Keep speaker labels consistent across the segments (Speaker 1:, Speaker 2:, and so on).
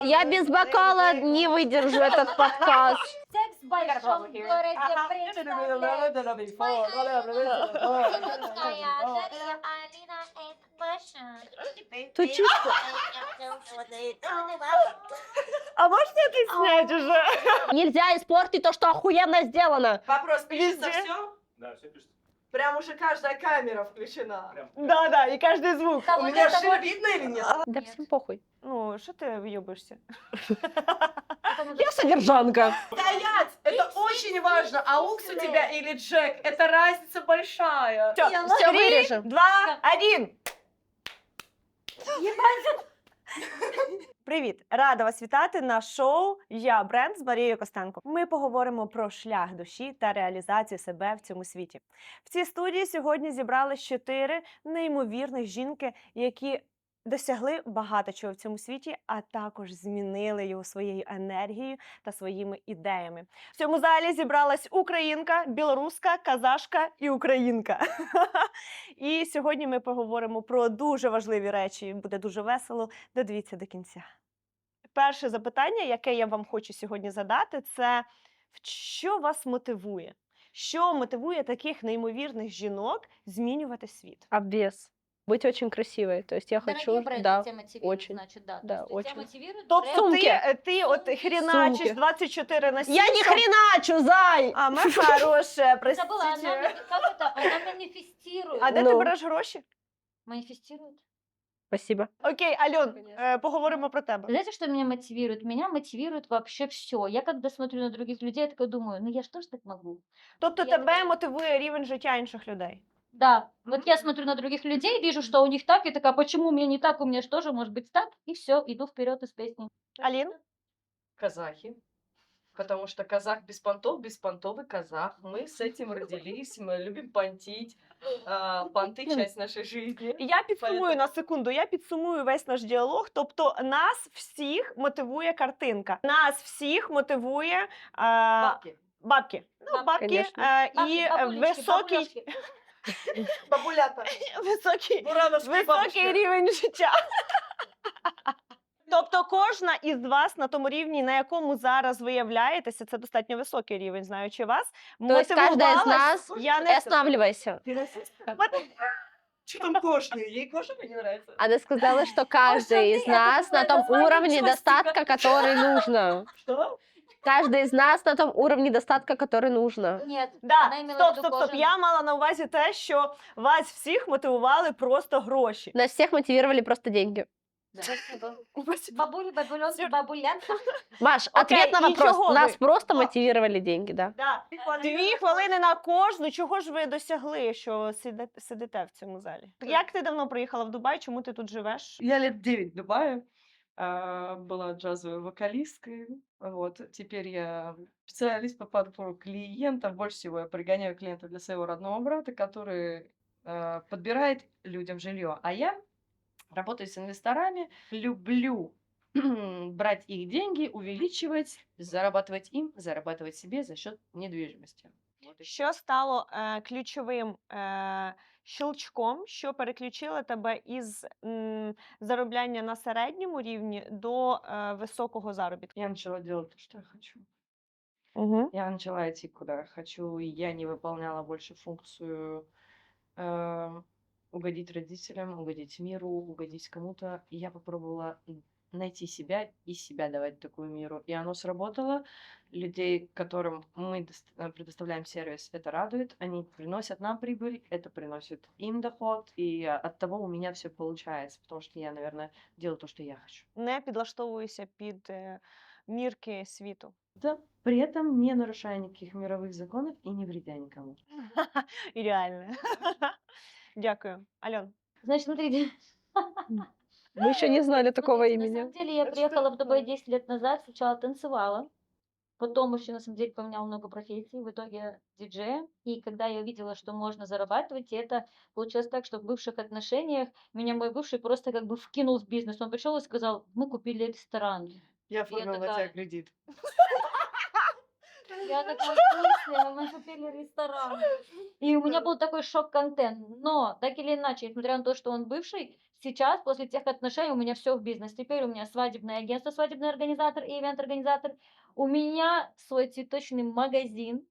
Speaker 1: Я без бокала не выдержу этот подкаст.
Speaker 2: Секс в большом городе представляет моя Дарья, Алина и Маша.
Speaker 1: Тут чисто.
Speaker 3: А можно это снять уже?
Speaker 1: Нельзя испортить то, что охуенно сделано.
Speaker 4: Вопрос, пишется
Speaker 3: Везде.
Speaker 4: все?
Speaker 5: Да, все пишется.
Speaker 4: Прям уже каждая камера включена.
Speaker 5: Прям.
Speaker 3: Да, и каждый звук.
Speaker 2: Да,
Speaker 4: У
Speaker 2: вот
Speaker 4: меня
Speaker 2: это
Speaker 4: же
Speaker 2: вот-
Speaker 4: видно или нет?
Speaker 1: Да
Speaker 2: Нет.
Speaker 1: всем похуй.
Speaker 3: Ну, что ты въебаешься?
Speaker 1: Я содержанка.
Speaker 4: Стоять! Это очень важно. Аукс у тебя или Джек? Это разница большая.
Speaker 1: Все вырежем.
Speaker 3: 2, 1. Привіт! Рада вас вітати на шоу «Я бренд» з Марією Костенко. Ми поговоримо про шлях душі та реалізацію себе в цьому світі. В цій студії сьогодні зібрались 4 неймовірних жінки, які досягли багато чого в цьому світі, а також змінили його своєю енергією та своїми ідеями. В цьому залі зібралась українка, білоруска, казашка і українка. І сьогодні ми поговоримо про дуже важливі речі. Буде дуже весело. Додивіться до кінця. Перше запитання, яке я вам хочу сьогодні задати, це що вас мотивує? Що мотивує таких неймовірних жінок змінювати світ?
Speaker 1: Обвес. Быть очень красивой. То есть я хочу,
Speaker 2: Дорогие бренды
Speaker 1: да.
Speaker 2: тебя мотивируют,
Speaker 1: очень.
Speaker 2: значит, да.
Speaker 1: Да,
Speaker 2: То есть тебя
Speaker 1: очень.
Speaker 2: мотивирует
Speaker 3: Тобто
Speaker 2: бренд.
Speaker 3: ти от хріначиш
Speaker 1: Сумки.
Speaker 3: 24 на 7.
Speaker 1: Я не хреначу, зай!
Speaker 3: А, ми хороше,
Speaker 2: Забыла, она,
Speaker 3: простите.
Speaker 2: как это, она манифестирует.
Speaker 3: А де
Speaker 1: Ну.
Speaker 3: ти береш гроші?
Speaker 2: Манифестирует.
Speaker 1: Спасибо.
Speaker 3: Окей, Альон,
Speaker 1: Конечно.
Speaker 3: поговоримо про тебе.
Speaker 2: Знаете, что меня мотивирует? Меня мотивирует вообще все. Я когда смотрю на других людей, я такая думаю, ну я ж тоже так могу.
Speaker 3: Тобто
Speaker 2: Я
Speaker 3: тебе
Speaker 2: така-
Speaker 3: мотивує рівень життя інших людей?
Speaker 2: Да, вот я смотрю на других людей, вижу, что у них так, и такая, почему у меня не так, у меня же тоже может быть так, и все, иду вперед из песни.
Speaker 3: Алін?
Speaker 4: Казахи. Потому что казах без понтовый казах. Мы с этим родились, мы любим понтить. Понты — часть нашей жизни.
Speaker 3: Я підсумую на секунду, я підсумую весь наш діалог. Тобто нас всіх мотивує картинка. Нас всіх мотивує
Speaker 4: Бабки.
Speaker 3: бабки. Ну, бабки
Speaker 1: Конечно.
Speaker 3: і
Speaker 2: Бабулечки,
Speaker 3: високий,
Speaker 2: бабуляшки.
Speaker 4: Бабулята.
Speaker 3: високий,
Speaker 4: Бурановские
Speaker 3: високий
Speaker 4: бабушки.
Speaker 3: рівень життя. Тобто кожна із вас на тому рівні, на якому зараз ви являєтеся, це достатньо високий рівень, знаючи вас,
Speaker 1: То есть каждая из
Speaker 3: мотивувалась.
Speaker 1: нас...
Speaker 3: Я
Speaker 1: И
Speaker 3: не
Speaker 1: останавливайся.
Speaker 4: Ты расистка? Что там кошные? Ей кошка не нравится.
Speaker 1: Она сказала, что каждый из
Speaker 4: это
Speaker 1: нас на том
Speaker 4: такое
Speaker 1: уровне
Speaker 4: название
Speaker 1: достатка, который нужно.
Speaker 4: Что?
Speaker 1: Каждый из нас на том уровне достатка, который нужно.
Speaker 2: Нет,
Speaker 3: Да,
Speaker 2: она имела в виду
Speaker 3: стоп.
Speaker 2: кожаный.
Speaker 3: Я мала на увазі те, що вас всіх мотивували просто гроші.
Speaker 1: Нас всех мотивировали просто деньги.
Speaker 2: Да. Бабули, бабуленки, бабулянка.
Speaker 1: Маш,
Speaker 3: Окей,
Speaker 1: ответ на
Speaker 3: и
Speaker 1: вопрос.
Speaker 3: чего
Speaker 1: Нас
Speaker 3: вы?
Speaker 1: просто мотивировали деньги, да.
Speaker 3: Да. 2 хвилини на кожну. Чого ж ви досягли, що сидите в цьому залі? Як ти давно приїхала в Дубай? Чому ти тут живеш?
Speaker 4: Я лет 9 в Дубае. Была джазовой вокалисткой. Вот. Теперь я специалист по подбору клиентов. Больше всего я пригоняю клиентов для своего родного брата, который подбирает людям жилье. А я работаю с инвесторами, люблю брать их деньги, увеличивать, зарабатывать им, зарабатывать себе за счет недвижимости. Вот и
Speaker 3: Що стало ключовим щелчком, що переключило тебе із заробляння на середньому рівні до високого заробітку?
Speaker 4: Я начала делать то, что я хочу.
Speaker 3: Угу.
Speaker 4: Я начала идти, куда я хочу, и я не выполняла больше функцию угодить родителям, угодить миру, угодить кому-то. И я попробовала найти себя и себя давать такую миру. И оно сработало. Людей, которым мы предоставляем сервис, это радует. Они приносят нам прибыль, это приносит им доход. И от того у меня все получается, потому что я, наверное, делаю то, что я хочу.
Speaker 3: Не підлаштовуюся під мірки світу.
Speaker 4: Да, при этом не нарушая никаких мировых законов и не вредя никому.
Speaker 3: Ідеально. Дякую. Альон.
Speaker 2: Значит, смотрите.
Speaker 1: Мы еще не знали такого
Speaker 2: Смотрите, На
Speaker 1: имени.
Speaker 2: самом деле я
Speaker 4: Это
Speaker 2: приехала
Speaker 4: что
Speaker 2: в Дубай
Speaker 4: такое?
Speaker 2: 10 лет назад, сначала танцевала, потом еще на самом деле поменяла много профессий, в итоге диджея. И когда я увидела, что можно зарабатывать, и это получилось так, что в бывших отношениях меня мой бывший просто как бы вкинул в бизнес. Он пришел и сказал, мы купили ресторан.
Speaker 4: Я оформила на тебя
Speaker 2: такая-
Speaker 4: кредит.
Speaker 2: Я такая, в смысле? Мы купили ресторан. И у меня был такой шок-контент. Но, так или иначе, несмотря на то, что он бывший, сейчас, после тех отношений, у меня все в бизнес. Теперь у меня свадебное агентство, свадебный организатор и ивент-организатор. У меня свой цветочный магазин.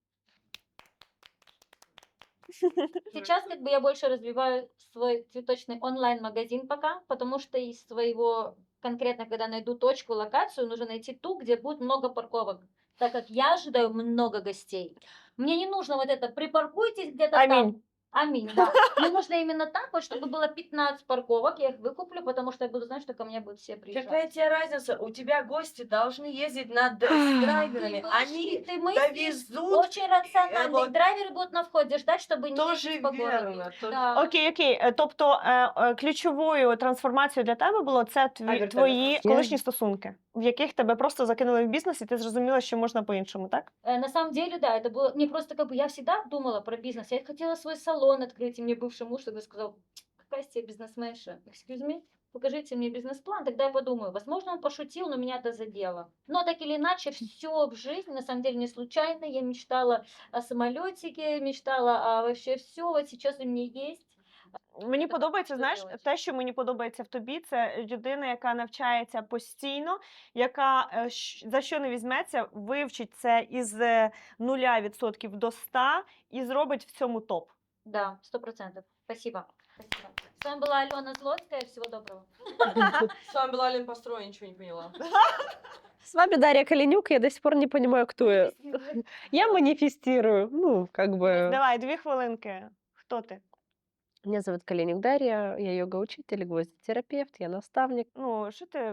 Speaker 2: Сейчас как бы я больше развиваю свой цветочный онлайн-магазин пока, потому что из своего конкретно, когда найду точку, локацию, нужно найти ту, где будет много парковок, так как я ожидаю много гостей. Мне не нужно вот это «припаркуйтесь где-то там».
Speaker 3: Аминь.
Speaker 2: Аминь, да. Мне нужно именно так вот, чтобы было 15 парковок, я их выкуплю, потому что я буду знать, что ко мне будут все приезжать.
Speaker 5: Какая тебе разница? У тебя гости должны ездить с драйверами. Они
Speaker 2: Ты мыслишь
Speaker 5: довезут.
Speaker 2: очень рационально.
Speaker 5: вот-
Speaker 2: И драйверы будут на входе ждать, чтобы не
Speaker 5: Тоже
Speaker 2: ездить по городу.
Speaker 5: верно.
Speaker 2: Да.
Speaker 3: Окей. Тобто ключовою трансформацією для тебе було це
Speaker 5: вертольот?
Speaker 3: твої колишні стосунки, в яких тебе просто закинули в бізнес, і ти зрозуміла, що можна по-іншому, так?
Speaker 2: На самом деле, да, это было мне просто как бы я всегда думала про бизнес. Я хотела свой салон открыть, и мне бывший муж тогда сказал: какая из тебя бизнесменша? Excuse me? Покажите мне бизнес-план, тогда я подумаю. Возможно, он пошутил, но меня это задело. Но так или иначе, все в жизни, на самом деле, не случайно. Я мечтала о самолетике, мечтала о вообще все. Вот сейчас у меня есть.
Speaker 3: Мені
Speaker 2: Так,
Speaker 3: подобається,
Speaker 2: що
Speaker 3: знаєш,
Speaker 2: делать?
Speaker 3: те, що мені подобається в тобі, це людина, яка навчається постійно, яка за що не візьметься, вивчить це із 0% до 100 і зробить в цьому топ.
Speaker 2: Да, 100%. Спасибо. Спасибо. С вами была Алена Злотская. Всего доброго.
Speaker 5: С вами была Лен Построй, ничего не поняла.
Speaker 1: С вами Дарья Калинюк, я до сих пор не понимаю, кто я. Я манифестирую, ну, как бы.
Speaker 3: Давай, 2 хвилинки. Хто ти?
Speaker 1: Меня зовут Калинюк Дарья, я йога-учитель, гвоздитерапевт, я наставник.
Speaker 3: Ну, що ти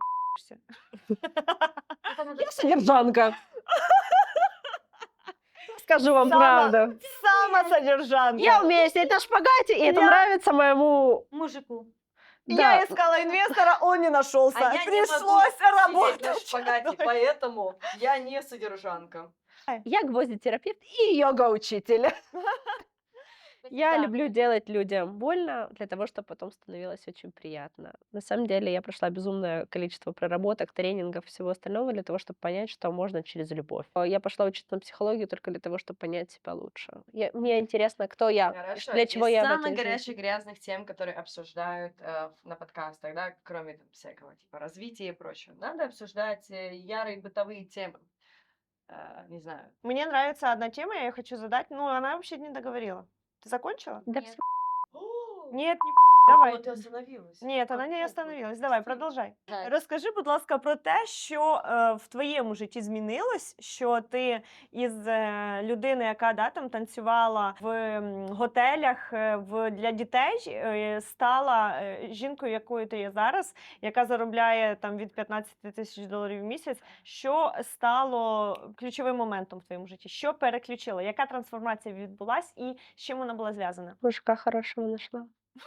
Speaker 1: Я содержанка. Скажу вам
Speaker 3: Сама-
Speaker 1: правду.
Speaker 3: Сама содержанка.
Speaker 1: Я умею сидеть на шпагате, и это
Speaker 3: Я-
Speaker 1: нравится моему...
Speaker 2: Мужику.
Speaker 3: Я
Speaker 1: Да.
Speaker 3: искала инвестора, он не нашелся.
Speaker 5: А я не
Speaker 3: Пришлось
Speaker 5: могу сидеть на
Speaker 3: работать.
Speaker 5: шпагате, поэтому я не содержанка.
Speaker 1: Я гвоздитерапевт и йога-учитель. Я
Speaker 2: Да.
Speaker 1: люблю делать людям больно для того, чтобы потом становилось очень приятно. На самом деле я прошла безумное количество проработок, тренингов, всего остального для того, чтобы понять, что можно через любовь. Я пошла учиться на психологию только для того, чтобы понять себя лучше. Мне интересно, кто я,
Speaker 5: Хорошо.
Speaker 1: для чего
Speaker 5: Из
Speaker 1: я в
Speaker 5: самых
Speaker 1: этой жизни.
Speaker 5: горячих, грязных тем, которые обсуждают на подкастах, да, кроме там, всякого типа развития и прочего. Надо обсуждать ярые бытовые темы. Не знаю.
Speaker 3: Мне нравится одна тема, я ее хочу задать, но она вообще не договорила. Ты закончила?
Speaker 1: Да
Speaker 2: Нет.
Speaker 3: Нет, не давай.
Speaker 5: Вот ты остановилась.
Speaker 3: Ні, вона не
Speaker 5: Какого?
Speaker 3: остановилась. Давай, продовжай.
Speaker 2: Да.
Speaker 3: Розкажи, будь ласка, про те, що в твоєму житті змінилось, що ти із людини, яка там танцювала в готелях для дітей, стала жінкою, якою ти є зараз, яка заробляє там від 15 тисяч доларів в місяць. Що стало ключовим моментом в твоєму житті? Що переключило? Яка трансформація відбулась і з чим вона була зв'язана?
Speaker 1: Мужика хорошего нашла.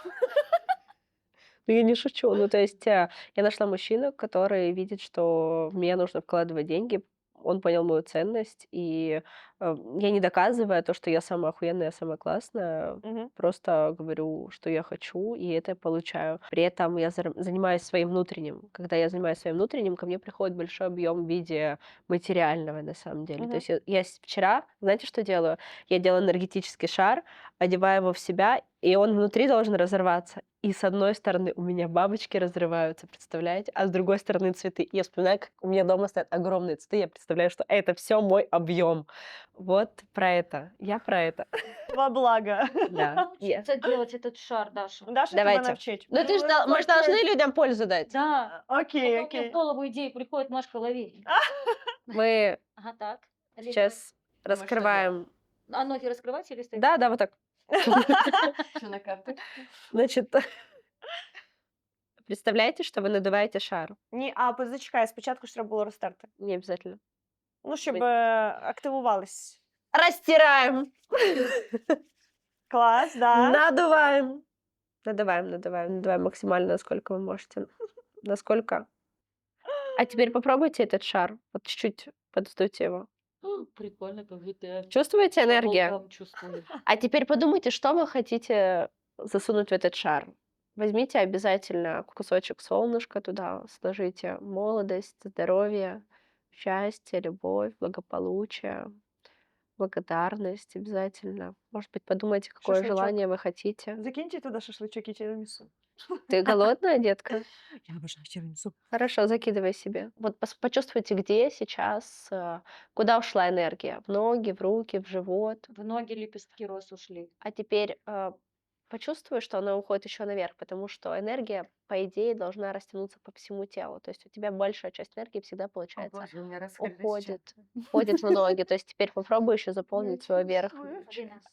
Speaker 1: Ну, я не шучу. Ну, то есть я нашла мужчину, который видит, что в меня нужно вкладывать деньги. Он понял мою ценность, и я не доказываю то, что я самая охуенная, самая классная.
Speaker 3: Мгм.
Speaker 1: Просто говорю, что я хочу, и это я получаю. При этом я занимаюсь своим внутренним. Когда я занимаюсь своим внутренним, ко мне приходит большой объем в виде материального, на самом деле.
Speaker 3: Мгм.
Speaker 1: То есть я вчера, знаете, что делаю? Я делаю энергетический шар, одеваю его в себя, и он внутри должен разорваться. И с одной стороны у меня бабочки разрываются, представляете? А с другой стороны цветы. И я вспоминаю, как у меня дома стоят огромные цветы. Я представляю, что это все мой объем. Вот про это. Я про это.
Speaker 3: Во благо.
Speaker 1: Да.
Speaker 2: Научиться делать этот шар, Даша.
Speaker 3: Даша тебе
Speaker 1: Давайте.
Speaker 3: навчить.
Speaker 1: Ну ты ж, мы же должны людям пользу дать.
Speaker 2: Да.
Speaker 3: Окей,
Speaker 2: Потом мне в
Speaker 3: окей.
Speaker 2: голову идеи приходит, Машка, лови.
Speaker 1: Мы
Speaker 2: Ага, так. Олеся,
Speaker 1: сейчас раскрываем.
Speaker 2: А ноги раскрывать или стоять?
Speaker 1: Да, вот так.
Speaker 5: Что на карты?
Speaker 1: Значит, представляете, что вы надуваете шар?
Speaker 3: Ні, зачекай, спочатку ж треба було розтерти.
Speaker 1: Не обязательно.
Speaker 3: Ну, щоб
Speaker 1: Ви-
Speaker 3: активувались.
Speaker 1: Растираем.
Speaker 3: Клас, да.
Speaker 1: Надуваем. Надуваем максимально, насколько вы можете. Насколько. А теперь попробуйте этот шар. Вот чуть-чуть подуйте его.
Speaker 2: Прикольно, как будто я
Speaker 1: Чувствуете энергию?
Speaker 2: волком чувствую.
Speaker 1: А теперь подумайте, что вы хотите засунуть в этот шар. Возьмите обязательно кусочек солнышка туда, сложите молодость, здоровье, счастье, любовь, благополучие, благодарность обязательно. Может быть, подумайте, какое
Speaker 3: Шашлычок.
Speaker 1: желание вы хотите.
Speaker 3: Закиньте туди шашличок і тірамісу.
Speaker 1: Ты голодная, детка?
Speaker 3: Я обожаю тирамису.
Speaker 1: Хорошо, закидывай себе. Вот почувствуйте, где сейчас, куда ушла энергия. В ноги, в руки, в живот.
Speaker 2: В ноги лепестки роз ушли.
Speaker 1: А теперь почувствуй, что она уходит еще наверх, потому что энергия, по идее, должна растянуться по всему телу. То есть у тебя большая часть энергии всегда,
Speaker 5: О
Speaker 1: получается,
Speaker 5: боже, у меня раскрылись чакры.
Speaker 1: уходит в ноги. То есть теперь попробуй еще заполнить свой верх.
Speaker 2: Один раз.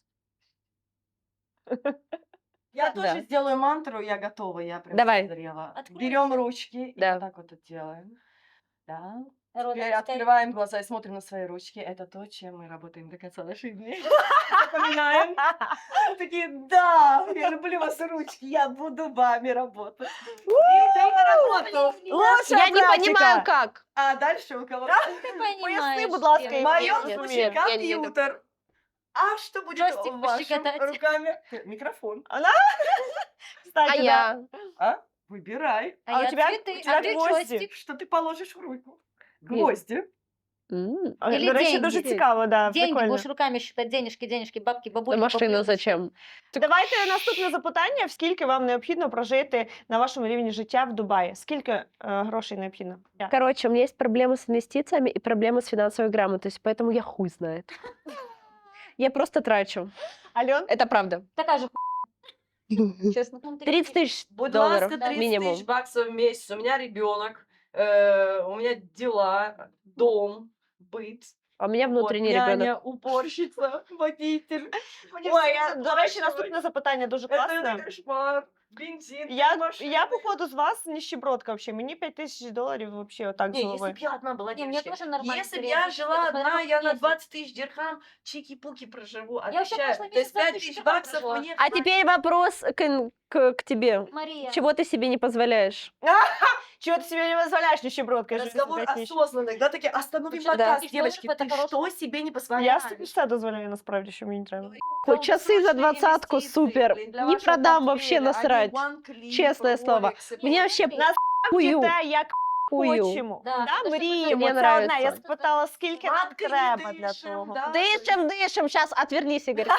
Speaker 5: Я
Speaker 1: Да.
Speaker 5: тоже сделаю мантру, я готова, я прям
Speaker 1: Давай.
Speaker 5: созрела.
Speaker 2: Откройся.
Speaker 5: Берем ручки и
Speaker 1: Да.
Speaker 5: вот так вот это делаем. Да.
Speaker 2: Рот
Speaker 5: Теперь
Speaker 2: расставь.
Speaker 5: открываем глаза и смотрим на свои ручки. Это то, чем мы работаем до конца наших дней. Запоминаем. Такие, да, я люблю вас ручки, я буду вами работать. Идем на работу.
Speaker 3: Лучшая
Speaker 1: Я не
Speaker 3: практика.
Speaker 1: понимаю, как.
Speaker 5: А дальше у кого?
Speaker 2: Ты
Speaker 3: Поясни,
Speaker 2: понимаешь,
Speaker 3: будь ласка,
Speaker 2: Кира.
Speaker 3: и
Speaker 5: В
Speaker 3: Нет,
Speaker 5: моем
Speaker 3: нет,
Speaker 5: случае
Speaker 1: нет, я не
Speaker 5: компьютер. А что будет
Speaker 2: Джойстик
Speaker 5: вашими
Speaker 2: пощекотать.
Speaker 5: руками? Микрофон.
Speaker 1: А
Speaker 3: Кстати, да.
Speaker 1: я?
Speaker 5: А? Выбирай.
Speaker 3: А у
Speaker 2: я
Speaker 3: тебя-
Speaker 2: цветы,
Speaker 3: у тебя
Speaker 2: а ты
Speaker 3: гвозди.
Speaker 2: джойстик.
Speaker 5: Что ты положишь в руку?
Speaker 1: Блин.
Speaker 5: Гвозди.
Speaker 2: Или
Speaker 3: До речі,
Speaker 2: деньги.
Speaker 3: дуже цікаво, да,
Speaker 2: Деньги
Speaker 3: прикольно.
Speaker 2: будешь руками считать, денежки, бабки, бабульки.
Speaker 1: Машина
Speaker 2: бабульки.
Speaker 1: зачем?
Speaker 3: Давайте наступне запитання. В скільки вам необхідно прожити на вашому рівні життя в Дубаї? Скільки грошей необхідно?
Speaker 1: Короче, у меня есть проблемы с инвестициями и проблемы с финансовой грамотностью, поэтому я хуй знает. Я просто трачу.
Speaker 3: Альон?
Speaker 1: Это правда.
Speaker 2: Такая же честно.
Speaker 1: 30 тысяч
Speaker 5: Будь
Speaker 1: долларов
Speaker 5: ласка, 30
Speaker 1: минимум.
Speaker 5: тысяч баксов в месяц. У меня ребенок, у меня дела, дом, быт.
Speaker 1: А у меня внутренний
Speaker 5: вот,
Speaker 1: ребенок.
Speaker 5: няня, уборщица, водитель. Мне
Speaker 3: Ой,
Speaker 5: всё
Speaker 3: до речі,
Speaker 5: оплачивать.
Speaker 3: наступне запитання дуже класне.
Speaker 5: Это кошмар. Бензин,
Speaker 3: Я
Speaker 5: машина.
Speaker 3: походу, з вас нищебродка вообще. Мені 5000 доларів вообще отак з
Speaker 5: Не, если
Speaker 3: голови.
Speaker 5: бы я одна была
Speaker 2: Не, мне
Speaker 5: девочкой,
Speaker 2: тоже нормально.
Speaker 5: если бы
Speaker 2: скорее,
Speaker 5: я
Speaker 2: всего,
Speaker 5: жила
Speaker 2: смотря
Speaker 5: одна,
Speaker 2: как
Speaker 5: я на
Speaker 2: месяц.
Speaker 5: 20 тысяч дирхам чики-пуки проживу,
Speaker 2: Я вообще
Speaker 5: отвечаю.
Speaker 2: прошлый
Speaker 5: То есть
Speaker 2: месяц
Speaker 5: 5
Speaker 2: 20
Speaker 5: тысяч
Speaker 2: тысяч
Speaker 5: баксов
Speaker 2: прожила.
Speaker 5: мне
Speaker 1: А
Speaker 5: хватит.
Speaker 1: теперь вопрос к тебе.
Speaker 2: Мария.
Speaker 1: Чего ты себе не позволяешь?
Speaker 3: Чого ти собі не дозволяєш, нищебродка? Я ж
Speaker 5: Разговор
Speaker 3: 5000.
Speaker 5: осознанный, да, такие, остановим
Speaker 2: Вообще,
Speaker 5: подкаст,
Speaker 2: да.
Speaker 5: девочки,
Speaker 2: Это
Speaker 5: ты
Speaker 2: хорошо.
Speaker 5: что себе не
Speaker 3: Я
Speaker 5: позволяешь?
Speaker 3: собі все дозволяю насправді, що мені треба.
Speaker 1: Хоть часы за 20-ку, супер. Не продам, вообще насрать. Честное слово. Мне вообще
Speaker 3: Нас
Speaker 1: хую.
Speaker 3: Вчите, як
Speaker 1: Хую.
Speaker 3: хочемо.
Speaker 2: Да,
Speaker 3: Да,
Speaker 2: то, що
Speaker 3: мріємо.
Speaker 1: Мені
Speaker 3: Це одне. Я
Speaker 1: нравиться.
Speaker 3: спитала, скільки нам треба для того.
Speaker 1: Дышим, дышим. Сейчас отвернись, Игорь.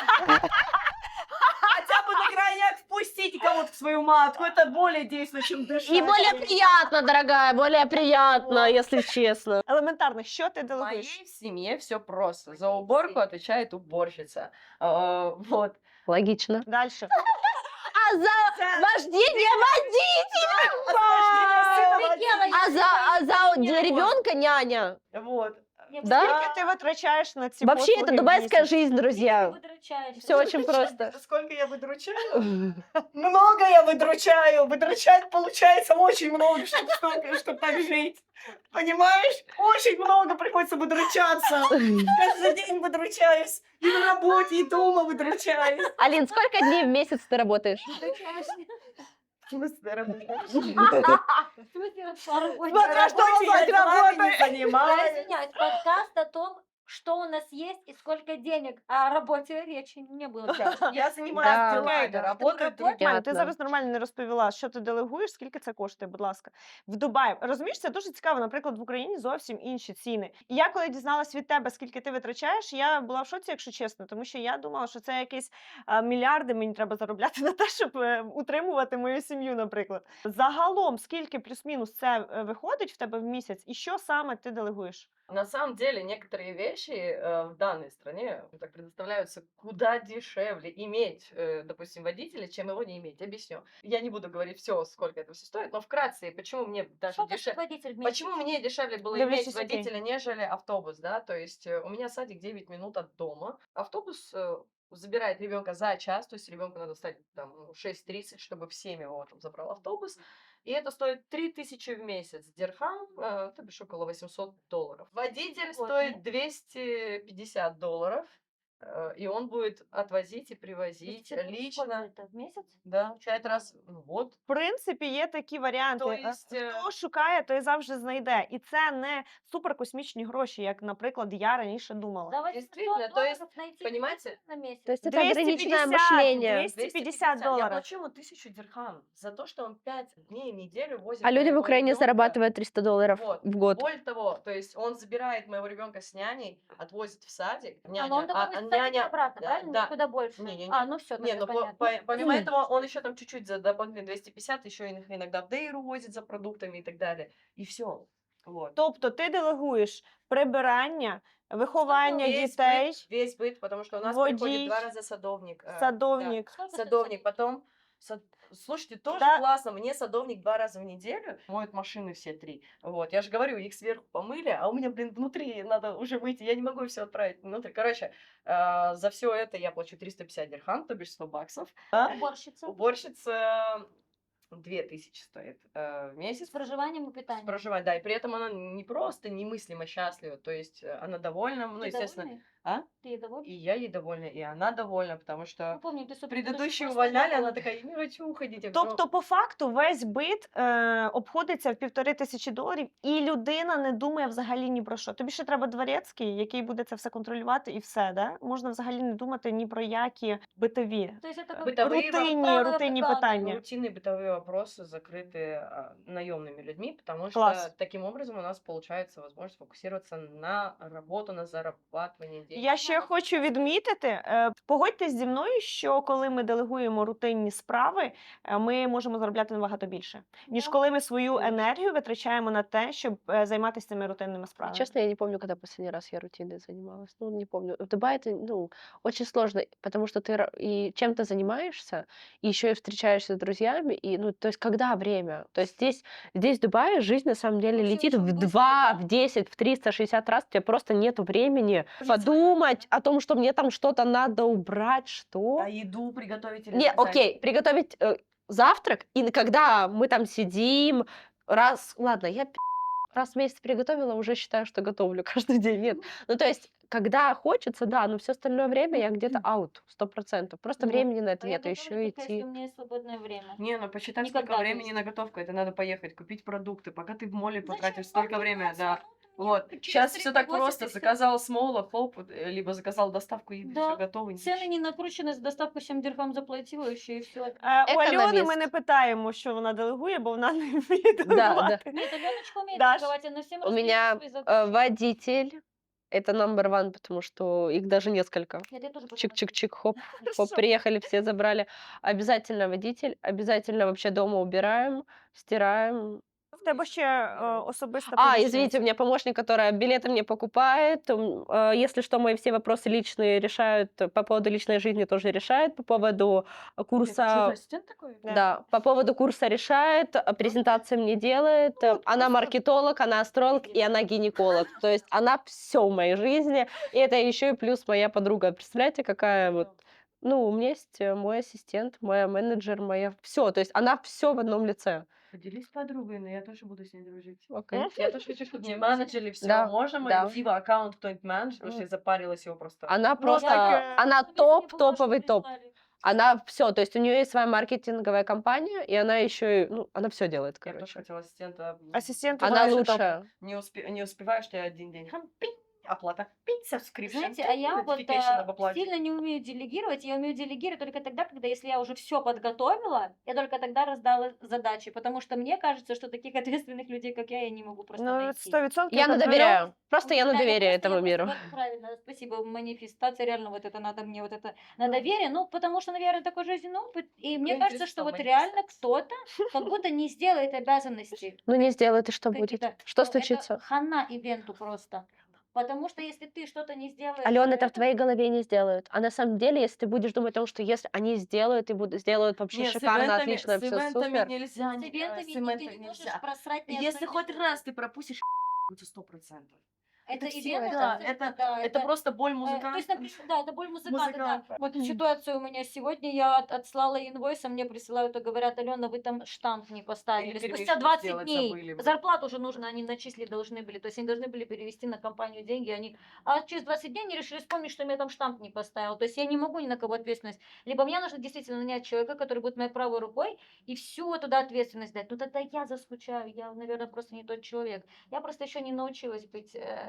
Speaker 5: Хотя бы на крайняк впустите кого-то в свою матку, это более действенно, чем дышать.
Speaker 1: И более приятно, дорогая, более приятно, если честно.
Speaker 3: Елементарно, що ти
Speaker 5: В
Speaker 3: делегуєш?
Speaker 5: моей семье все просто. За уборку отвечает уборщица. Вот.
Speaker 1: Логично.
Speaker 3: Дальше.
Speaker 1: А за вождение водителя! А за ребенка няня.
Speaker 5: Вот.
Speaker 1: Да?
Speaker 3: Скільки ти витрачаєш на ці
Speaker 1: Вообще,
Speaker 3: послуги
Speaker 1: это
Speaker 3: в
Speaker 1: дубайская
Speaker 3: місяць?
Speaker 1: жизнь, друзья. Все очень просто.
Speaker 5: Сколько я выдручаю? Много я выдручаю. Выдручать получается очень много, чтобы так жить. Понимаешь? Очень много приходится выдручаться. Каждый день выдручаюсь. И на работе, и дома выдручаюсь.
Speaker 1: Алин, сколько дней в месяц ты работаешь?
Speaker 5: В смысле, работаешь?
Speaker 3: Смотря что
Speaker 5: Работе я
Speaker 3: назвать
Speaker 5: делами не
Speaker 3: работой.
Speaker 2: Я
Speaker 5: занимаюсь.
Speaker 2: извиняюсь, подкаст о том, что у нас есть и сколько денег. О работе речи не было.
Speaker 5: Я
Speaker 1: Да.
Speaker 5: занимаюсь делами,
Speaker 3: Да.
Speaker 5: работаю
Speaker 3: Нормально, ти
Speaker 1: Понятно.
Speaker 3: зараз нормально не розповіла, що ти делегуєш, скільки це коштує, будь ласка. В Дубаї. Розумієш, це дуже цікаво. Наприклад, в Україні зовсім інші ціни. І я коли дізналась від тебе, скільки ти витрачаєш, я була в шоці, якщо чесно, тому що я думала, що це якісь мільярди мені треба заробляти на те, щоб утримувати мою сім'ю, наприклад. Загалом, скільки плюс-мінус це виходить в тебе в місяць, і що саме ти делегуєш?
Speaker 5: На самом деле, некоторые вещи в данной стране так предоставляются куда дешевле иметь, допустим, водителя, чем его не иметь. Объясню. Я не буду говорить все, сколько это все стоит, но вкратце, почему мне даже
Speaker 2: Что ты
Speaker 5: дешевле.
Speaker 2: водитель вместе?
Speaker 5: Почему мне дешевле было
Speaker 3: Да,
Speaker 5: иметь
Speaker 3: вместе с окей.
Speaker 5: водителя, нежели автобус, да? То есть у меня садик 9 минут от дома. Автобус забирает ребенка за час, то есть ребенку надо встать там 6:30, чтобы в 7 его там забрал автобус. И это стоит 3000 в месяц. Дирхам, то бишь около $800. Водитель стоит $250. И он будет отвозить и привозить лично.
Speaker 2: Это в месяц?
Speaker 5: Да, 5 раз. Ну вот.
Speaker 3: В принципі, є такі варіанти.
Speaker 5: То есть,
Speaker 3: Хто шукає, той завжди знайде. І це не суперкосмічні гроші, як, наприклад, я раніше думала.
Speaker 2: За $800
Speaker 5: Действительно, то есть,
Speaker 2: найти
Speaker 5: понимаете,
Speaker 2: на месяц.
Speaker 1: То есть это
Speaker 3: 250,
Speaker 1: ограниченное мышление.
Speaker 3: 250
Speaker 5: Я
Speaker 3: долларов.
Speaker 5: плачу ему 1000 дирхам за то, что он 5 дней в неделю возит
Speaker 1: А люди в
Speaker 5: моего
Speaker 1: Украине
Speaker 5: ребенка.
Speaker 1: зарабатывают $300
Speaker 5: Вот.
Speaker 1: в год.
Speaker 5: Более того, то есть он забирает моего ребенка с няней, отвозит в садик, няня,
Speaker 2: он домой
Speaker 5: а
Speaker 2: кстати,
Speaker 5: няня...
Speaker 2: обратно,
Speaker 5: Да,
Speaker 2: правильно?
Speaker 5: да.
Speaker 2: Куда больше?
Speaker 5: Не-не-не.
Speaker 2: А, ну все,
Speaker 5: Не,
Speaker 2: тогда
Speaker 5: ну
Speaker 2: понятно.
Speaker 5: помимо этого, он еще там чуть-чуть за дополнительные 250, еще иногда в Дейру возит за продуктами и так далее. И все. Вот.
Speaker 3: Тобто ти делегуєш прибирання, виховання дітей,
Speaker 5: Весь быт, потому что у нас
Speaker 3: водій,
Speaker 5: приходит 2 раза садовник.
Speaker 3: садовник.
Speaker 2: Сколько
Speaker 5: Садовник,
Speaker 2: стоит?
Speaker 5: потом... Слушайте, тоже
Speaker 3: Да.
Speaker 5: классно. Мне садовник 2 раза в неделю моет машины все 3. Вот, я же говорю, их сверху помыли, а у меня, блин, внутри надо уже выйти. Я не могу все отправить внутрь. Короче, за все это я плачу 350 дирхам, то бишь 100 баксов.
Speaker 2: Уборщица.
Speaker 5: Уборщица 2000 стоит в месяц.
Speaker 2: С проживанием и
Speaker 5: С
Speaker 2: питанием.
Speaker 5: проживанием, да, и при этом она не просто немыслимо счастлива, то есть она довольна, ну,
Speaker 2: Ты
Speaker 5: естественно,
Speaker 2: довольный?
Speaker 5: а?
Speaker 2: Ты ей довольна?
Speaker 5: И я ей довольна, и она довольна, потому
Speaker 2: Ну,
Speaker 5: что
Speaker 2: помню, ты супер
Speaker 5: предыдущую увольняли, она такая, я не хочу уходить. Я говорю,
Speaker 3: Тобто, по факту, весь бит обходиться в $1500, і людина не думає взагалі ні про що. Тобі ще треба дворецький, який буде це все контролювати, і все, да? Можна взагалі не думати ні про які битові.
Speaker 2: То есть это как
Speaker 5: Бытовые
Speaker 3: Рутинні питання.
Speaker 5: рутинные бытовые вопросы закрыты наемными людьми, потому
Speaker 3: Класс.
Speaker 5: что таким образом у нас получается возможность фокусироваться на работу, на зарабатывание денег.
Speaker 3: Я ще хочу відмітити, погодьтесь зі мною, що коли ми делегуємо рутинні справи, ми можемо заробляти набагато більше, ніж
Speaker 2: Да.
Speaker 3: коли ми свою
Speaker 5: Конечно.
Speaker 3: енергію витрачаємо на те, щоб займатися цими рутинними справами.
Speaker 1: Честно, я не помню, когда последний раз я рутиной занималась. Ну, не помню. В Дубае это, ну, очень сложно, потому что ты и чем-то занимаешься, и еще и встречаешься с друзьями, и, ну, то есть, когда время? То есть здесь в Дубае жизнь на самом деле
Speaker 2: Всё
Speaker 1: летит
Speaker 2: очень
Speaker 1: в
Speaker 2: быстро,
Speaker 1: 2,
Speaker 2: да.
Speaker 1: в 10, в 360 раз, у тебя просто нету времени подумать о том, что мне там что-то надо убрать, что?
Speaker 5: А еду приготовить или
Speaker 1: Не,
Speaker 5: заказать?
Speaker 1: окей, приготовить завтрак, и когда мы там сидим, ладно, я раз в месяц приготовила, уже считаю, что готовлю каждый день. Нет. Ну, то есть, когда хочется, да, но все остальное время я где-то аут, 100%. Просто
Speaker 2: Ну,
Speaker 1: времени на это
Speaker 2: А я
Speaker 1: нет, и
Speaker 2: готовлю
Speaker 1: еще
Speaker 2: только, если
Speaker 1: идти.
Speaker 2: у меня есть свободное время.
Speaker 5: Не, ну посчитай,
Speaker 2: Никогда,
Speaker 5: сколько
Speaker 2: то
Speaker 5: времени
Speaker 2: есть.
Speaker 5: на готовку. Это надо поехать, купить продукты. Пока ты в моле
Speaker 2: Зачем?
Speaker 5: потратишь столько
Speaker 2: Вам
Speaker 5: времени,
Speaker 2: 15
Speaker 5: да.
Speaker 2: минут, мне
Speaker 5: Вот.
Speaker 2: через
Speaker 5: Сейчас
Speaker 2: 3
Speaker 5: все так
Speaker 2: бросить,
Speaker 5: просто.
Speaker 2: и всё.
Speaker 5: Заказал с мола, хоп, либо заказал доставку еды,
Speaker 2: Да.
Speaker 5: все готово.
Speaker 2: Цены не накручены, за доставку 7 дирхам заплатила, еще и все.
Speaker 3: У Альони ми
Speaker 1: Економіст.
Speaker 3: не питаємо, що вона делегує, бо вона не вміє
Speaker 1: Да.
Speaker 3: делегувати.
Speaker 2: Нет, Аленочка умеет
Speaker 3: Даш,
Speaker 2: торговать, она всем
Speaker 1: У
Speaker 2: раздает
Speaker 1: меня
Speaker 2: свои задачи.
Speaker 1: водитель, это number one, потому что их даже несколько.
Speaker 2: Нет, я тоже потом
Speaker 1: Чик-чик-чик, хоп, хоп,
Speaker 3: Хорошо.
Speaker 1: приехали, все забрали. Обязательно водитель, обязательно вообще дома убираем, стираем.
Speaker 3: В тебе ще особиста
Speaker 1: А,
Speaker 3: помічниця.
Speaker 1: извините, у меня помощник, которая билеты мне покупает. Если что, мои все вопросы личные решают, по поводу личной жизни тоже решает, по поводу курса...
Speaker 5: ассистент такой?
Speaker 3: Да.
Speaker 1: Да, по поводу курса решает, презентации мне делает.
Speaker 3: Ну,
Speaker 1: Она
Speaker 3: просто-
Speaker 1: маркетолог, она астролог и она гинеколог. То есть она все в моей жизни. И это еще и плюс моя подруга. Представляете, какая вот... Ну, у меня есть мой ассистент, моя менеджер, моя... Все, то есть она все в одном лице.
Speaker 5: Поделись с подругой, но я тоже буду с ней дружить.
Speaker 1: Окей.
Speaker 5: Я тоже хочу, чтобы мне менеджерили все.
Speaker 1: Да,
Speaker 5: Можно
Speaker 1: да.
Speaker 5: мой Фива аккаунт кто-нибудь менеджер, потому что я запарилась его просто.
Speaker 1: Она просто...
Speaker 3: так,
Speaker 1: Она
Speaker 2: Если мне бумажку
Speaker 1: топовый топ.
Speaker 2: прислали.
Speaker 1: Она все, то есть у нее есть своя маркетинговая компания, и она еще и, ну, она все делает,
Speaker 5: Я тоже
Speaker 1: короче.
Speaker 5: хотела ассистента.
Speaker 3: Асистент
Speaker 1: Она
Speaker 3: вважає, що топ.
Speaker 1: лучшая.
Speaker 5: Не успеваешь, ты один день. Хам, пинь, оплата. Пинь, subscription.
Speaker 2: Знаете, а я вот
Speaker 5: notification об оплате.
Speaker 2: сильно не умею делегировать. Я умею делегировать только тогда, когда если я уже все подготовила, я только тогда раздала задачи. Потому что мне кажется, что таких ответственных людей, как я не могу просто
Speaker 3: Ну,
Speaker 2: найти.
Speaker 3: 100%
Speaker 1: Я на
Speaker 3: контрольов.
Speaker 1: доверяю. Просто я на
Speaker 2: Да,
Speaker 1: доверие
Speaker 2: просто я
Speaker 1: этому миру.
Speaker 2: просто вот правильно, спасибо, манифестация, реально вот это надо мне вот это на доверие, ну, потому что, наверное, такой жизненный опыт, и мне кажется, что вот реально кто-то как будто не сделает обязанности.
Speaker 1: Ну, не сделает, и что будет?
Speaker 2: какие-то.
Speaker 1: Что
Speaker 2: Ну, это
Speaker 1: случится?
Speaker 2: хана ивенту просто. Потому что если ты что-то не сделаешь...
Speaker 1: Алена, это в твоей голове не сделают. А на самом деле, если ты будешь думать о том, что если они сделают и сделают вообще
Speaker 5: Нет,
Speaker 1: шикарно, отлично,
Speaker 5: с
Speaker 1: все
Speaker 5: ивентами
Speaker 1: супер.
Speaker 5: нельзя.
Speaker 2: С ивентами
Speaker 5: с
Speaker 2: ты
Speaker 5: ивентами
Speaker 2: не можешь
Speaker 5: нельзя.
Speaker 2: просрать ни одной
Speaker 5: Если хоть
Speaker 2: минуты.
Speaker 5: раз ты пропустишь, будет 100%.
Speaker 2: Это
Speaker 5: всё,
Speaker 2: ивент,
Speaker 5: да,
Speaker 2: да,
Speaker 5: это просто боль
Speaker 2: то
Speaker 5: музыканта.
Speaker 2: есть, например, да, это боль музыканта, да.
Speaker 5: Музыканта.
Speaker 2: Вот ситуация у меня сегодня, я отслала инвойс, а мне присылают и говорят, Алена, вы там штамп не поставили.
Speaker 5: Или
Speaker 2: Спустя
Speaker 5: перемешку
Speaker 2: 20
Speaker 5: сделать
Speaker 2: дней.
Speaker 5: забыли.
Speaker 2: Зарплату уже нужно, они начислить должны были. То есть они должны были перевести на компанию деньги. А через 20 дней они решили вспомнить, что я там штамп не поставил. То есть я не могу ни на кого ответственность. Либо мне нужно действительно нанять человека, который будет моей правой рукой, и всю туда ответственность дать. Ну тогда я заскучаю, я, наверное, просто не тот человек. Я просто еще не научилась быть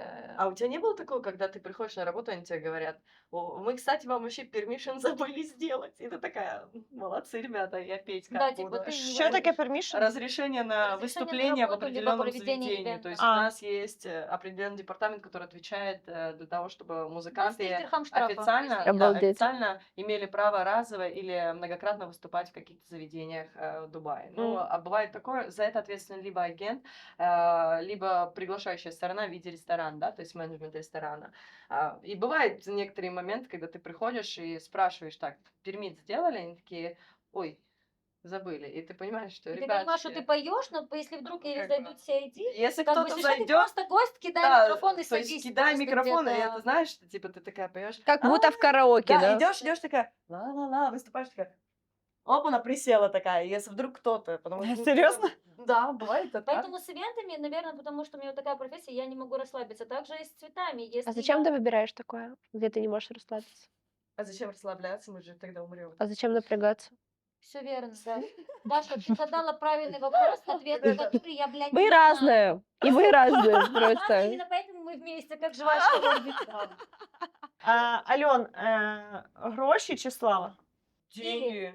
Speaker 5: А у тебя не было такого, когда ты приходишь на работу, они тебе говорят: "О, мы, кстати, вам вообще permission забыли сделать". И ты такая: "Молодцы, ребята, я петь как
Speaker 2: Да, типа,
Speaker 5: буду".
Speaker 2: ты не
Speaker 3: Що таке
Speaker 2: выходишь.
Speaker 3: permission?
Speaker 5: Разрешение на
Speaker 2: Разрешение на
Speaker 5: выступление в
Speaker 2: работу, либо
Speaker 5: определенном
Speaker 2: проведение
Speaker 5: заведении. То
Speaker 2: ивента.
Speaker 5: есть у
Speaker 3: А.
Speaker 5: нас есть определенный департамент, который отвечает для того, чтобы
Speaker 2: У нас есть
Speaker 5: музыканты
Speaker 2: дирхам штрафа.
Speaker 5: официально,
Speaker 2: если-
Speaker 5: да,
Speaker 1: Обалдеть.
Speaker 5: официально имели право разово или многократно выступать в каких-то заведениях в Дубае. Ну,
Speaker 3: М.
Speaker 5: а бывает такое, за это ответственен либо агент, либо приглашающая сторона в виде ресторана, да, то есть менеджмент ресторана. И бывают некоторые моменты, когда ты приходишь и спрашиваешь: так, пермит сделали? Они такие: ой, забыли. И ты понимаешь, что,
Speaker 2: И ты понимаешь, что
Speaker 5: ребятки,
Speaker 2: ты поешь, но если вдруг или
Speaker 5: как бы,
Speaker 2: зайдут все эти,
Speaker 5: если
Speaker 2: как бы
Speaker 5: кто-то
Speaker 2: если что, ты
Speaker 5: зайдет,
Speaker 2: просто гость, кидай
Speaker 5: да,
Speaker 2: микрофон и
Speaker 5: то есть
Speaker 2: садись.
Speaker 5: кидай
Speaker 2: просто
Speaker 5: микрофон, и
Speaker 2: где-то.
Speaker 5: это знаешь, что типа ты такая поешь,
Speaker 1: Как будто в караоке,
Speaker 5: да,
Speaker 1: да?
Speaker 5: идешь такая, ла-ла-ла, выступаешь такая, оп, она присела такая, если вдруг кто-то, потому что... ну,
Speaker 3: Серьезно?
Speaker 5: Да, бывает это так.
Speaker 2: Поэтому с ивентами, наверное, потому что у меня вот такая профессия, я не могу расслабиться. Также и с цветами. Если
Speaker 1: А зачем
Speaker 2: я-
Speaker 1: ты выбираешь такое, где ты не можешь расслабиться?
Speaker 5: А зачем расслабляться, мы же тогда умрем.
Speaker 1: А зачем напрягаться?
Speaker 2: Все верно, да. Даша, ты задала правильный вопрос, ответ на который я, блядь,
Speaker 1: Мы
Speaker 2: не знаю.
Speaker 1: разные, и вы разные
Speaker 2: Разные,
Speaker 1: просто.
Speaker 2: именно поэтому мы вместе, как жвачка в орбитале.
Speaker 3: Альон, гроші чи слава?
Speaker 5: Деньги.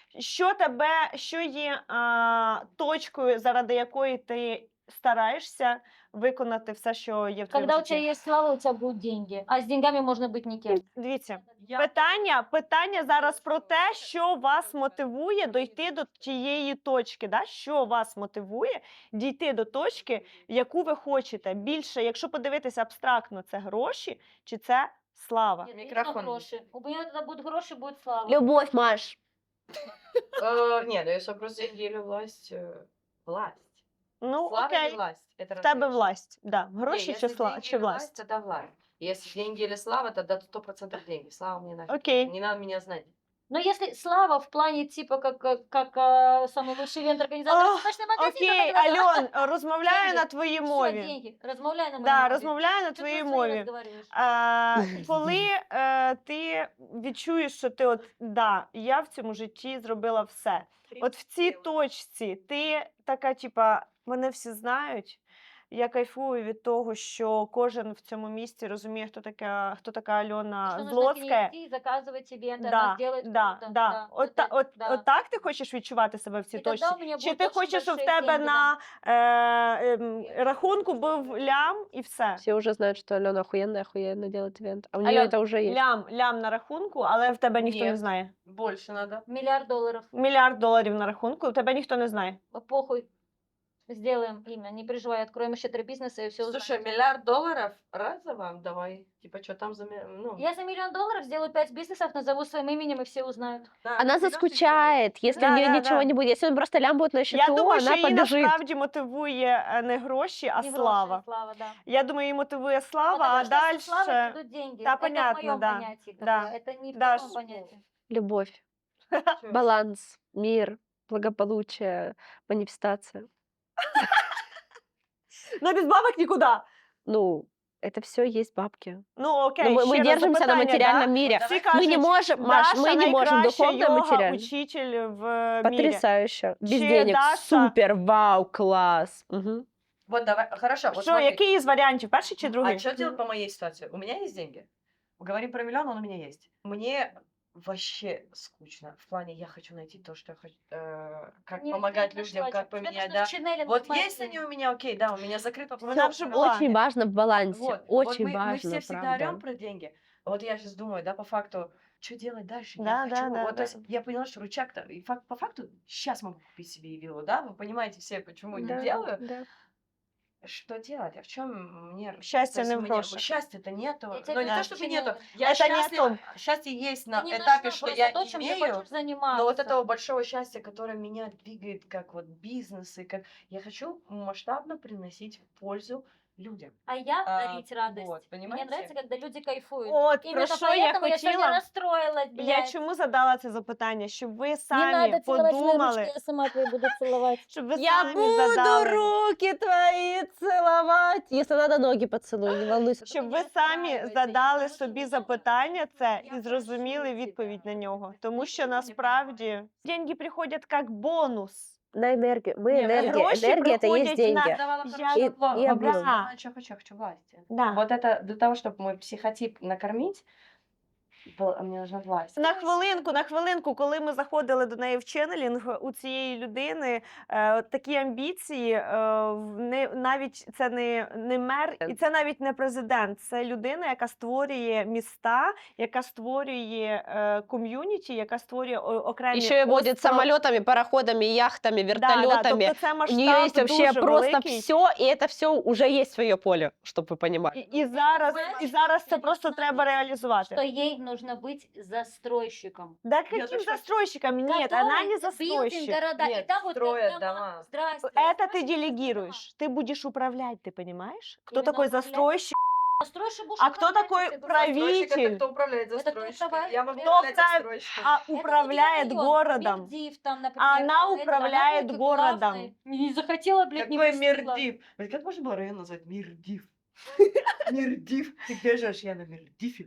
Speaker 3: Що є точкою, заради якої ти стараєшся виконати все, що є в твоєму
Speaker 2: Когда у тебя
Speaker 3: житті?
Speaker 2: есть слава, у тебя будут деньги. А с деньгами можно быть никем.
Speaker 3: Дивіться,
Speaker 5: Я...
Speaker 3: питання зараз про те, що вас мотивує дойти до тієї точки. Да? Що вас мотивує дійти до точки, яку ви хочете. Більше, якщо подивитися абстрактно, це гроші чи це слава?
Speaker 2: Нет,
Speaker 5: Микрофон.
Speaker 2: точно гроши. У меня тогда будут гроши, будет слава.
Speaker 1: Любовь, Маш.
Speaker 5: Нет, ну если вопрос деньги или власть, власть.
Speaker 3: Ну,
Speaker 5: Слава
Speaker 3: окей,
Speaker 5: или власть? Это
Speaker 3: в тебе
Speaker 5: разные вещи.
Speaker 3: власть. Да.
Speaker 5: Не,
Speaker 3: Гроші
Speaker 5: если
Speaker 3: чи,
Speaker 5: деньги
Speaker 3: чи
Speaker 5: или
Speaker 3: власть?
Speaker 5: тогда власть. Если деньги или слава, тогда 100% деньги. Слава мне нафиг.
Speaker 3: Окей.
Speaker 5: Не надо меня знать.
Speaker 2: Но если слава в плане типа как самый лучший ивент-организатор
Speaker 3: Ох,
Speaker 2: цветочный магазин,
Speaker 3: Окей,
Speaker 2: то тогда
Speaker 3: Альон, розмовляю
Speaker 2: Деньги.
Speaker 3: на твоїй
Speaker 2: всё,
Speaker 3: мові.
Speaker 2: деньги. Размовляй на моей
Speaker 3: Да,
Speaker 2: мове.
Speaker 3: розмовляю на
Speaker 2: Чё ты
Speaker 3: твоїй
Speaker 2: на своей
Speaker 3: мові.
Speaker 2: разговариваешь?
Speaker 3: Коли ти відчуєш, що ти от да, я в цьому житті зробила все. От в цій точці ти така, типа, мене всі знають. Я кайфую від того, що кожен в цьому місті розуміє, хто така
Speaker 2: И
Speaker 3: Альона
Speaker 2: что нужно к
Speaker 3: Злотська.
Speaker 2: ней идти и заказывать ивенты,
Speaker 3: Да,
Speaker 2: она сделает
Speaker 3: да,
Speaker 2: круто.
Speaker 3: да. От, та- от,
Speaker 2: да.
Speaker 3: от так ти хочеш відчувати себе в цій
Speaker 2: И тогда
Speaker 3: точці?
Speaker 2: у меня
Speaker 3: Чи
Speaker 2: будут
Speaker 3: ти
Speaker 2: очень
Speaker 3: хочеш, щоб в
Speaker 2: большие
Speaker 3: тебе
Speaker 2: деньги,
Speaker 3: на рахунку був лям і все?
Speaker 1: Все уже знают, что Алена охуенно делает ивент. А у нее
Speaker 3: Алён,
Speaker 1: это уже есть.
Speaker 3: Лям на рахунку, але в тебе ніхто не
Speaker 5: Ні.
Speaker 3: знає.
Speaker 5: Больше надо.
Speaker 2: $1 миллиард.
Speaker 3: $1 мільярд на рахунку, тебе ніхто не знає.
Speaker 2: Похуй. Сделаем имя, не переживай, откроем еще 3 бизнеса и все.
Speaker 5: Слушай, $1 миллиард разово давай. Типа, что там за... Ну,
Speaker 2: Я за $1 миллион сделаю 5 бизнесов, назову своим именем, и все узнают.
Speaker 5: да,
Speaker 1: Она
Speaker 5: берёшь и
Speaker 1: заскучает, если
Speaker 3: Да,
Speaker 1: у нее
Speaker 3: да,
Speaker 1: ничего
Speaker 3: да.
Speaker 1: не будет. Если он просто лям будет на счету,
Speaker 3: Я думаю, що
Speaker 1: она
Speaker 3: її
Speaker 1: побежит.
Speaker 3: насправді мотивує не гроші, а
Speaker 2: Не гроши,
Speaker 3: слава.
Speaker 2: слава, да.
Speaker 3: Я думаю, її мотивує слава,
Speaker 2: Потому
Speaker 3: а
Speaker 2: что
Speaker 3: далі...
Speaker 2: со славой придут деньги.
Speaker 3: Да,
Speaker 2: Это
Speaker 3: понятно,
Speaker 2: в моем
Speaker 3: да,
Speaker 2: понятии. как
Speaker 3: да.
Speaker 2: бы, Это не в
Speaker 3: Да,
Speaker 2: твоем понятии.
Speaker 1: Любовь,
Speaker 5: чё?
Speaker 1: баланс, мир, благополучие, манифестация.
Speaker 3: Ну, без бабок нікуди.
Speaker 1: Ну, это все есть бабки.
Speaker 3: Ну, окей,
Speaker 1: Но мы
Speaker 3: ще раз
Speaker 1: держимся на
Speaker 3: запитання,
Speaker 1: материальном
Speaker 3: да?
Speaker 1: мире.
Speaker 3: Всі
Speaker 1: Мы не
Speaker 3: кажуть,
Speaker 1: можем, Маш,
Speaker 3: Даша
Speaker 1: мы не можем
Speaker 3: найкраща
Speaker 1: духовно и
Speaker 3: йога
Speaker 1: материально.
Speaker 3: учитель в мірі.
Speaker 1: Потрясающе. Без
Speaker 3: Че,
Speaker 1: денег.
Speaker 3: Даша?
Speaker 1: Супер, вау, класс. Мгм.
Speaker 5: Вот давай, хорошо. Вот
Speaker 3: Що,
Speaker 5: смотри.
Speaker 3: який із варіантів, перший чи другий?
Speaker 5: А что делать по моей ситуации? У меня есть деньги. Говорим про миллион, он у меня есть. Мне вообще скучно. В плане, я хочу найти то, что я хочу. Как
Speaker 2: Не
Speaker 5: помогать
Speaker 2: нашла,
Speaker 5: людям, как
Speaker 2: тебе
Speaker 5: поменять,
Speaker 2: нужно
Speaker 5: да.
Speaker 2: в Шинели
Speaker 5: Вот
Speaker 2: нормально.
Speaker 5: есть они у меня, окей, да, у меня закрыт вопрос.
Speaker 3: Вона вже була.
Speaker 1: Очень важно в балансе.
Speaker 5: Вот,
Speaker 1: Очень
Speaker 5: вот мы
Speaker 1: важно,
Speaker 5: все всегда
Speaker 1: правда.
Speaker 5: орем про деньги. Вот я сейчас думаю, да, по факту, что делать дальше?
Speaker 3: Да,
Speaker 5: Я
Speaker 3: да,
Speaker 5: хочу,
Speaker 3: да,
Speaker 5: вот,
Speaker 3: да.
Speaker 5: то есть я поняла, что рычаг-то, и по факту сейчас могу купить себе и виллу, да, вы понимаете все, почему
Speaker 1: Да,
Speaker 5: не делаю.
Speaker 1: да.
Speaker 5: Что делать? А в чем мне...
Speaker 3: Счастье
Speaker 5: то есть
Speaker 3: не в
Speaker 5: мне-
Speaker 3: грошах.
Speaker 5: Счастья-то нету.
Speaker 2: Я тебе
Speaker 5: Но не
Speaker 2: говорю,
Speaker 5: то, чтобы
Speaker 2: что
Speaker 5: нету.
Speaker 2: не-
Speaker 5: Я
Speaker 3: Это не о
Speaker 5: счастлива.
Speaker 3: том.
Speaker 5: Счастье есть на
Speaker 2: Ты не
Speaker 5: этапе,
Speaker 2: нашла
Speaker 5: что
Speaker 2: просто
Speaker 5: я
Speaker 2: то, чем ты
Speaker 5: имею.
Speaker 2: хочешь заниматься.
Speaker 5: Но вот этого большого счастья, которое меня двигает как вот бизнес, и как я хочу масштабно приносить пользу людям.
Speaker 2: А я
Speaker 5: А,
Speaker 2: дарить радость.
Speaker 5: вот,
Speaker 2: Мне
Speaker 5: понимаете?
Speaker 2: нравится, когда люди кайфуют.
Speaker 3: От, про
Speaker 2: Именно
Speaker 3: що я
Speaker 2: поэтому я сегодня
Speaker 3: хотіла?
Speaker 2: расстроилась, блядь.
Speaker 3: Я чому задала це запитання? Щоб ви
Speaker 2: Не
Speaker 3: самі
Speaker 2: надо целовать мои
Speaker 3: подумали,
Speaker 2: ручки, я сама твои буду целовать.
Speaker 3: щоб ви
Speaker 1: Я
Speaker 3: самі
Speaker 1: буду
Speaker 3: задали,
Speaker 1: руки твои целовать. Если надо, ноги поцелуй, не волнуйся.
Speaker 3: щоб ви
Speaker 2: не
Speaker 3: самі
Speaker 2: розстраювайте,
Speaker 3: задали
Speaker 2: тому що
Speaker 3: собі
Speaker 2: ви
Speaker 3: запитання це
Speaker 2: Я
Speaker 3: і зрозуміли
Speaker 2: прошу
Speaker 3: відповідь на
Speaker 2: тебя.
Speaker 3: нього. Тому
Speaker 2: Ничего
Speaker 3: що
Speaker 2: не
Speaker 3: насправді деньги приходять як бонус,
Speaker 1: на энергию. Мы
Speaker 3: Не,
Speaker 1: энергия.
Speaker 3: гроши
Speaker 1: Энергия — это есть
Speaker 3: приходят на-
Speaker 1: деньги.
Speaker 5: Давала
Speaker 3: Я-
Speaker 1: И,
Speaker 5: хорошо.
Speaker 1: и объем.
Speaker 3: Да.
Speaker 5: Знаю, что хочу, я хочу власти.
Speaker 3: Да.
Speaker 4: Вот это для того, чтобы мой психотип накормить, мне нужна власть.
Speaker 3: На хвилинку, коли ми заходили до неї в ченнелінг, у цієї людини такі амбіції, навіть це не мер, і це навіть не президент, це людина, яка створює міста, яка створює ком'юніті, яка створює окремі
Speaker 1: Еще и водит
Speaker 3: остров-
Speaker 1: самолетами, пароходами, яхтами,
Speaker 3: Да,
Speaker 1: вертолетами.
Speaker 3: тобто це
Speaker 1: У
Speaker 3: масштаб
Speaker 1: нее есть вообще
Speaker 3: дуже
Speaker 1: просто
Speaker 3: великий.
Speaker 1: все, и это все уже есть своє поле, чтобы вы понимали.
Speaker 3: І зараз це просто треба реалізувати.
Speaker 2: Что ей нужно быть застройщиком.
Speaker 3: Да
Speaker 5: Я
Speaker 3: каким
Speaker 5: тоже хочу.
Speaker 3: застройщиком? Нет, она не
Speaker 2: Который
Speaker 3: застройщик.
Speaker 2: билдинг города.
Speaker 5: Нет,
Speaker 2: и там вот
Speaker 5: строят
Speaker 2: как
Speaker 5: дома.
Speaker 2: Здрасте.
Speaker 3: Это ты
Speaker 2: Строят
Speaker 3: делегируешь. Ты будешь управлять, ты понимаешь? Кто
Speaker 2: Именно
Speaker 3: такой
Speaker 2: управлять.
Speaker 3: застройщик?
Speaker 2: дома. Застройщик будешь
Speaker 3: А кто
Speaker 2: управлять
Speaker 3: такой
Speaker 2: этим.
Speaker 3: правитель?
Speaker 5: Застройщик — это кто управляет
Speaker 2: Это кто
Speaker 5: застройщиком.
Speaker 2: управляет?
Speaker 5: Я могу
Speaker 2: Кто
Speaker 5: управлять
Speaker 3: вправ-
Speaker 5: застройщиком.
Speaker 3: А
Speaker 2: Это не
Speaker 3: управляет
Speaker 2: район,
Speaker 3: городом.
Speaker 2: Мирдив там, например.
Speaker 3: Она
Speaker 2: это,
Speaker 3: управляет
Speaker 2: какой
Speaker 3: городом.
Speaker 2: классный. Не захотела, блядь, не
Speaker 4: Какой
Speaker 2: пустила.
Speaker 4: Мирдив? Блин, как можно было район назвать Мирдив? Мирдив. Ты где живешь? Я на Мирдиве.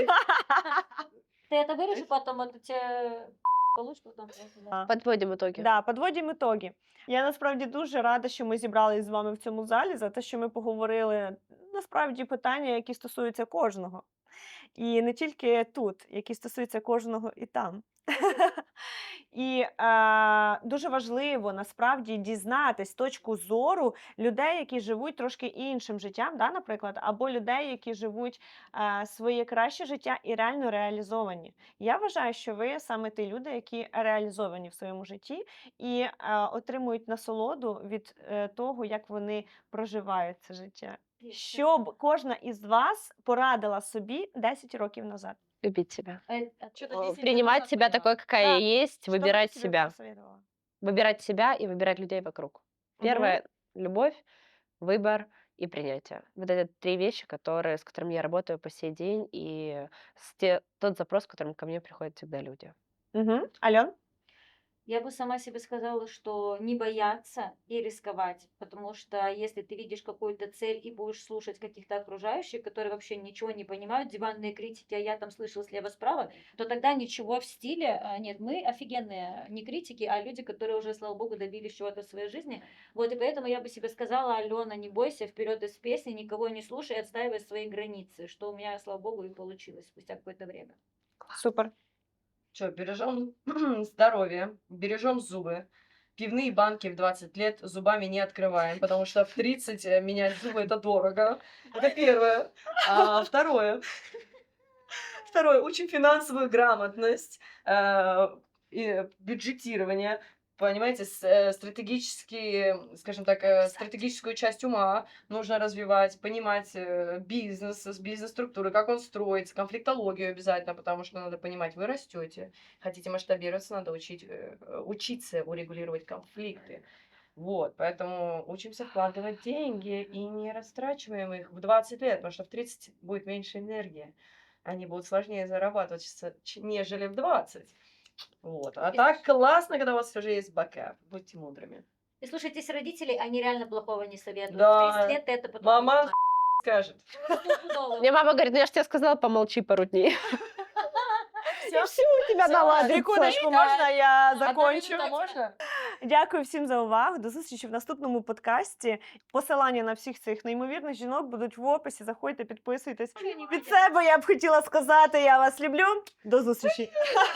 Speaker 2: Ты это вырежешь потом, это тебе получишь потом.
Speaker 3: Да.
Speaker 1: Подводим итоги.
Speaker 3: Да, подводимо ітоги. Я насправді дуже рада, що ми зібрались з вами в цьому залі, за те, що ми поговорили насправді питання, які стосуються кожного. І не тільки тут, які стосуються кожного і там. І дуже важливо насправді дізнатись точку зору людей, які живуть трошки іншим життям, да, наприклад, або людей, які живуть своє краще життя і реально реалізовані. Я вважаю, що ви саме ті люди, які реалізовані в своєму житті і отримують насолоду від того, як вони проживають це життя. Щоб кожна із вас порадила собі 10 років назад.
Speaker 1: Любить себя.
Speaker 5: Что-то 10 лет
Speaker 1: Принимать
Speaker 5: назад
Speaker 1: себя
Speaker 5: поняла.
Speaker 1: такой, какая
Speaker 3: Да.
Speaker 1: есть,
Speaker 3: Що б
Speaker 1: выбирать
Speaker 3: ти собі
Speaker 1: себя.
Speaker 3: посоветувала?
Speaker 1: Выбирать себя и выбирать людей вокруг.
Speaker 3: Мгм.
Speaker 1: Первое — любовь, выбор и принятие. Вот это 3 вещи, с которыми я работаю по сей день, и тот запрос, с которым ко мне приходят всегда люди.
Speaker 3: Мгм. Альон?
Speaker 2: Я бы сама себе сказала, что не бояться и рисковать, потому что если ты видишь какую-то цель и будешь слушать каких-то окружающих, которые вообще ничего не понимают, диванные критики, а я там слышал слева-справа, то тогда ничего в стиле нет. Мы офигенные, не критики, а люди, которые уже, слава богу, добились чего-то в своей жизни. Вот, и поэтому я бы себе сказала: Алена, не бойся, вперед из песни, никого не слушай, отстаивай свои границы, что у меня, слава богу, и получилось спустя какое-то время.
Speaker 3: Супер.
Speaker 4: Что, бережем здоровье, бережем зубы. Пивные банки в 20 лет зубами не открываем, потому что в 30 менять зубы это дорого. Это первое. А второе, учим финансовую грамотность, и бюджетирование. Понимаете, скажем так, стратегическую часть ума нужно развивать, понимать бизнес, бизнес-структуры, как он строится, конфликтологию обязательно, потому что надо понимать, вы растете, хотите масштабироваться, надо учиться урегулировать конфликты. Вот, поэтому учимся вкладывать деньги и не растрачиваем их в 20 лет, потому что в 30 будет меньше энергии. Они будут сложнее зарабатывать, нежели в 20. Вот. А так классно, когда у вас уже есть бэкап. Будьте мудрыми.
Speaker 2: И слушайтесь родителей, они реально плохого не советуют.
Speaker 4: Да.
Speaker 2: В 30 лет это потом...
Speaker 4: Мама скажет.
Speaker 2: Стопудово.
Speaker 1: Мне мама говорит: ну я же тебе сказала, помолчи пару дней. И все у тебя наладится.
Speaker 3: Секундочку, можна я
Speaker 5: Одна
Speaker 3: закончу?
Speaker 5: минута можно?
Speaker 3: Дякую всім за увагу. До зустрічі в наступному подкасті. Посилання на всіх цих неймовірних жінок будуть в описі. Заходьте, підписуйтесь. Від себе я б хотіла сказати: я вас люблю. До зустрічі.